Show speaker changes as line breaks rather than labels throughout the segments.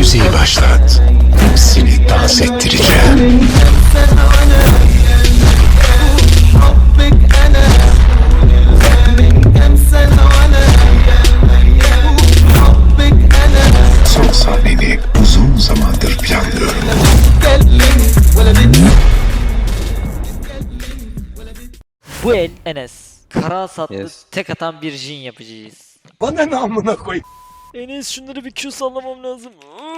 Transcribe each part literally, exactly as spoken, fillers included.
Müziği başlat. Hepsini dans ettireceğim. Son sahneni uzun zamandır planlıyorum.
Bu el Enes. Kara hasatlı
Yes.
tek atan bir jin yapacağız.
Bana ne amına koy?
Enes şunları bir Q sallamam lazım.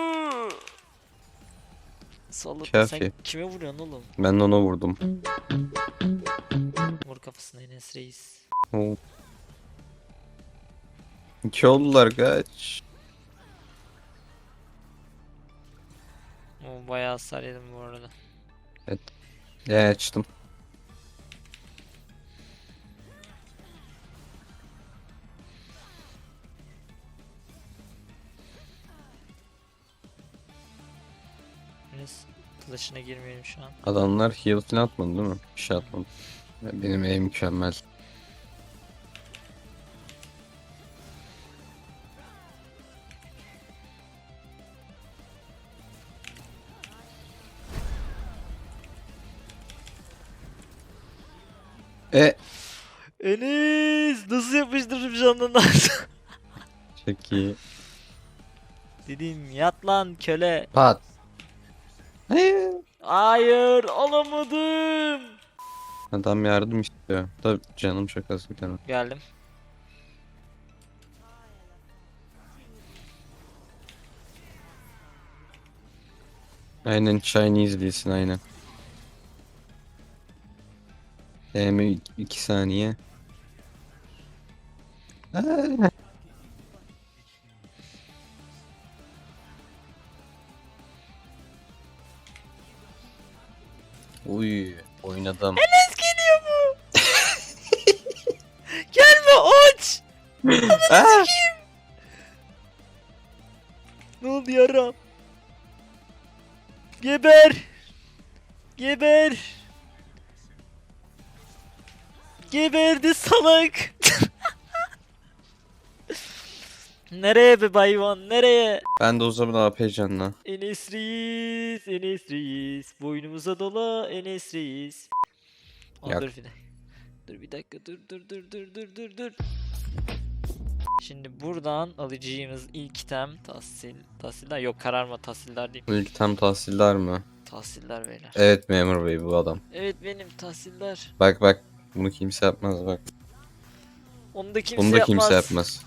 Salladım. Sen
Kafi.
kime vuruyorsun oğlum?
Ben de ona vurdum.
Vur kafasına Enes reis.
Oo. İki oldular kaç.
O bayağı hasar yedim bu arada.
Ya açtım.
Enes flash'ına girmeyelim şu an.
Adamlar heal falan atmadı değil mi? Bir şey atmadı. Benim en mükemmel. E
Enes nasıl yapıştırırım canından?
çok iyi.
Dedim yat lan köle.
Pat. Hayır.
Hayır alamadım.
Adam yardım istiyor. Tabii canım çok az bir tane.
Geldim.
Aynen Chinese değilsin aynen. Hem iki saniye. Aa. Uy oynadım.
Enes geliyor bu. Gelme aç.
Aa!
Ne oldu yaram? Geber. Geber. Geberdi salak. Nereye be bayvan nereye?
Ben de o zaman A P canla.
Enes Reis, Enes Reis. Boynumuza dola Enes Reis. Aa,
Yak.
dur bir dakika. Dur bir dakika dur dur dur dur dur dur dur. Şimdi buradan alacağımız ilk item tahsil. Tahsiller yok kararma tahsiller değil.
İlk tam tahsildar mı?
Tahsiller beyler.
Evet memur bey bu adam.
Evet benim tahsiller.
Bak bak bunu kimse yapmaz bak.
Onu da kimse
Bunu da
yapmaz.
kimse yapmaz.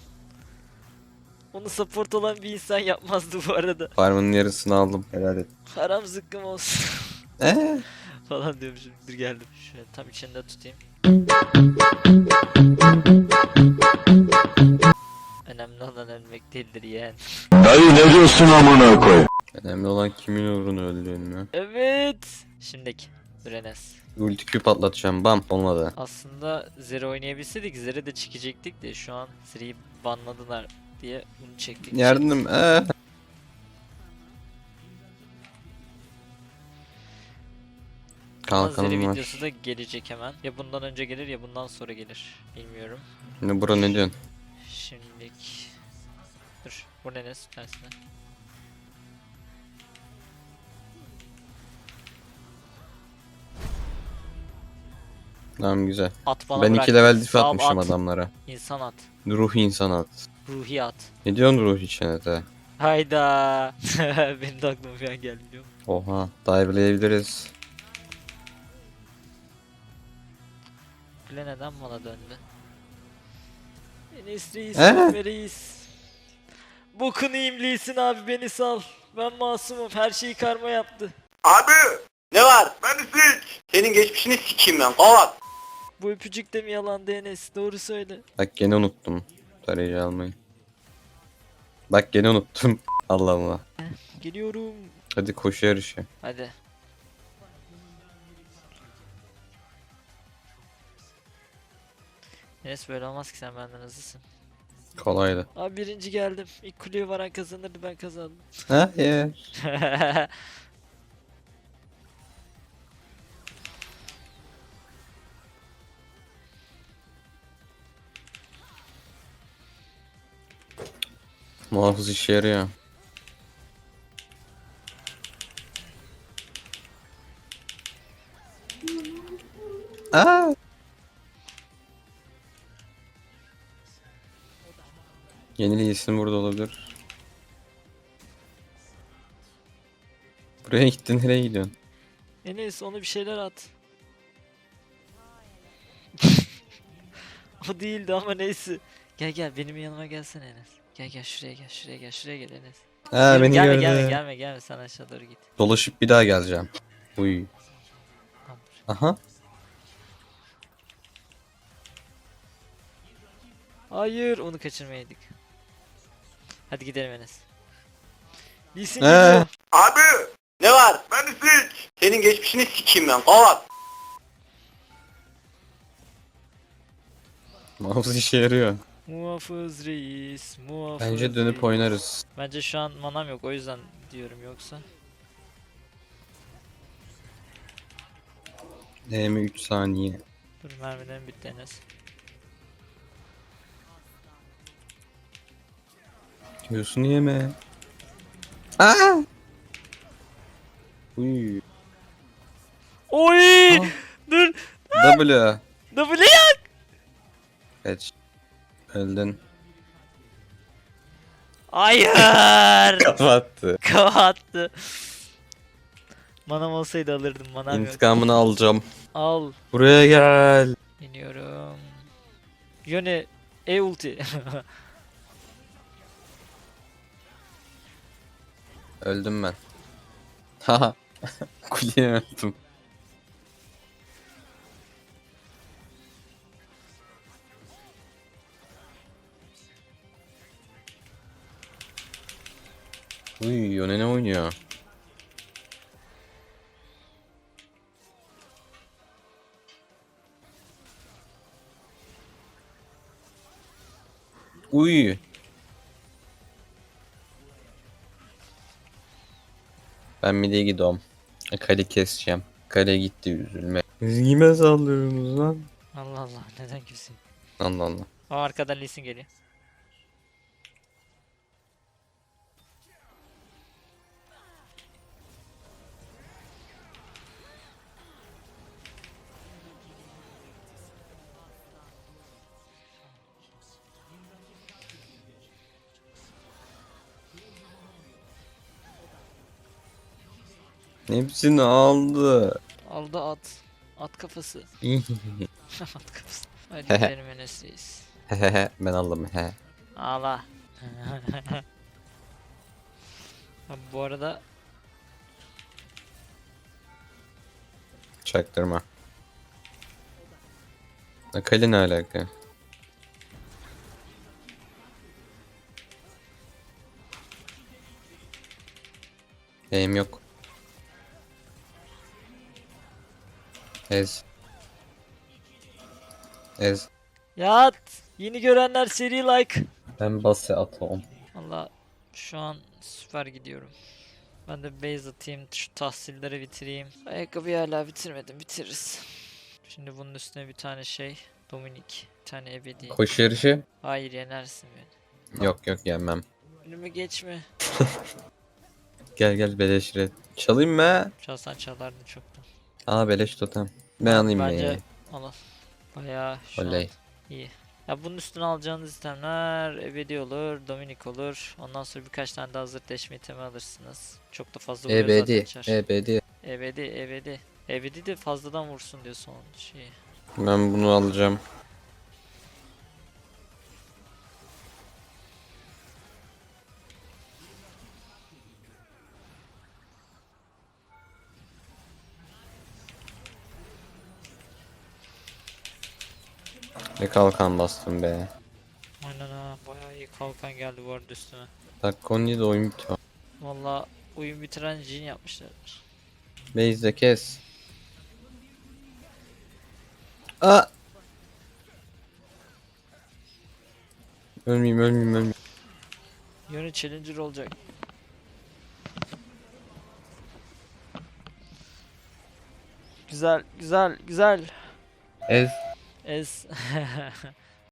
Onu support olan bir insan yapmazdı bu arada.
Farmın yarısını aldım helal et.
Haram zıkkım olsun.
Eee?
Falan diyormuşum. Dur geldim. Şöyle tam içinde tutayım. Önemli olan ölmek değildir yeğen.
Dayı ne diyorsun amına koy?
Önemli olan kimin uğruna öldüğün mü?
Evet. Şimdiki. Dur Enes.
Ulti Q patlatacağım bam olmadı.
Aslında Zeri oynayabilseydik Zeri de çekecektik de şu an Zeri'yi banladılar diye bunu çektik.
Yardım eee.
Ama Zeri
Kalkanım
videosu
var.
da gelecek hemen. Ya bundan önce gelir ya bundan sonra gelir. Bilmiyorum.
Ne bura ne diyorsun?
Şimdilik. Dur. Bu ne Enes? Tersine.
Tamam güzel.
At bana
Ben
bırak.
iki level diff
Sağ ol,
atmışım
at.
adamlara.
İnsan at.
Ruh insan at.
Ruhi at.
Ne diyorsun ruh içine?
Hayda. Benim de aklıma bir an geldi biliyor musun?
Oha dive'layabiliriz.
Kule neden bana döndü? Enes reis,
Ee?
Mehmet reis. Bokunu imlisin abi beni sal. Ben masumum her şeyi karma yaptı.
Abi ne var? Ben sik. Senin geçmişini sikeyim ben. Kavat.
Bu öpücük de mi yalandı Enes? Doğru söyle.
Bak gene unuttum. Tarayıcı almayı. Bak gene unuttum. Allah Allah.
Geliyorum.
Hadi koşu yarışı.
Hadi. Enes böyle olmaz ki sen benden hızlısın.
Kolaydı.
Abi birinci geldim. İlk kuleye varan kazanırdı ben kazandım.
Hayır. Muhafız işe yarıyor. Aa! Yeni isim burada olabilir. Buraya gittin, nereye gidiyorsun?
Enes onu bir şeyler at. O değildi ama neyse. Gel gel benim yanıma gelsene Enes. Gel gel şuraya gel şuraya gel şuraya gel Enes.
Ha,
Gelme,
beni
gelme,
gördü.
gelme gelme gelme sen aşağı doğru git.
Dolaşıp bir daha geleceğim. Uy.
Tamam.
Aha.
Hayır onu kaçırmayaydık. Hadi gidelim Enes. Lee Sin
Ee?
gidiyor.
Abi. Ne var? Ben Sik. Senin geçmişini sikeyim ben. Kavat.
Mouse işe yarıyor.
Muhafız reis, muhafız
Bence dönüp
reis.
oynarız.
Bence şu an manam yok o yüzden diyorum yoksa.
D M üç saniye.
Dur mermilerim bitti Enes.
Diyorsun yeme. Aa! Uy.
Oy!
Ah.
Dur!
W.
W yak!
Geç. Öldün.
Hayır!
Kapattı.
Kapattı. Manam olsaydı alırdım manam yok.
İntikamını alacağım.
Al.
Buraya gel.
İniyorum. Yone E ulti.
Öldüm ben. Haha. Kuleye öldüm. Uy, Yone ne oynuyor? Uy. Ben mideye gidiyorum. E, Kale keseceğim. Kale gitti, üzülme. Siz kime sallıyorsunuz lan?
Allah Allah neden küseyim?
Allah Allah.
O arkadan Lee Sin geliyor.
Hepsini aldı.
Aldı at. At kafası. At kafası. Hadi gidelim Enes reis.
Hehehe, ben aldım he.
Ağla. Abi bu arada
Çaktırma. E, Kale ne alaka? Eğim yok. Ez. Ez.
yat. Yeni görenler seri like.
Ben base atom.
Valla şu an süper gidiyorum. Ben de base atayım, şu tahsilleri bitireyim. Ayakkabıyı hala bitirmedim, bitiririz. Şimdi bunun üstüne bir tane şey, Dominik, bir tane ebedi.
Koşu yarışı?
Hayır yenersin beni.
Yok yok, yenmem.
Önüme geçme.
Gel gel, beleş red. Çalayım mı?
Çalsan çalardın çoktan.
Aa, beleş totem. Ben alayım
Bence
be.
al al. Bayağı şu
Oley.
an iyi. Ya bunun üstüne alacağınız itemler ebedi olur, Dominik olur. Ondan sonra birkaç tane daha hazır deşme itemi alırsınız. Çok da fazla vuruyor zaten
Ebedi.
çar.
Ebedi.
Ebedi, ebedi. Ebedi de fazladan vursun diyor son şey.
Ben bunu alacağım. Ne kalkan bastım be.
Aynen ha, bayağı iyi kalkan geldi bu arada üstüme.
Dakika on yedi, oyun bitiyor.
Valla oyun bitiren Jin yapmışlar.
Base'de kes. Aa! Ölmeyeyim ölmeyeyim ölmeyeyim.
Yönü challenger olacak. Güzel, güzel, güzel.
Ez.
Ez.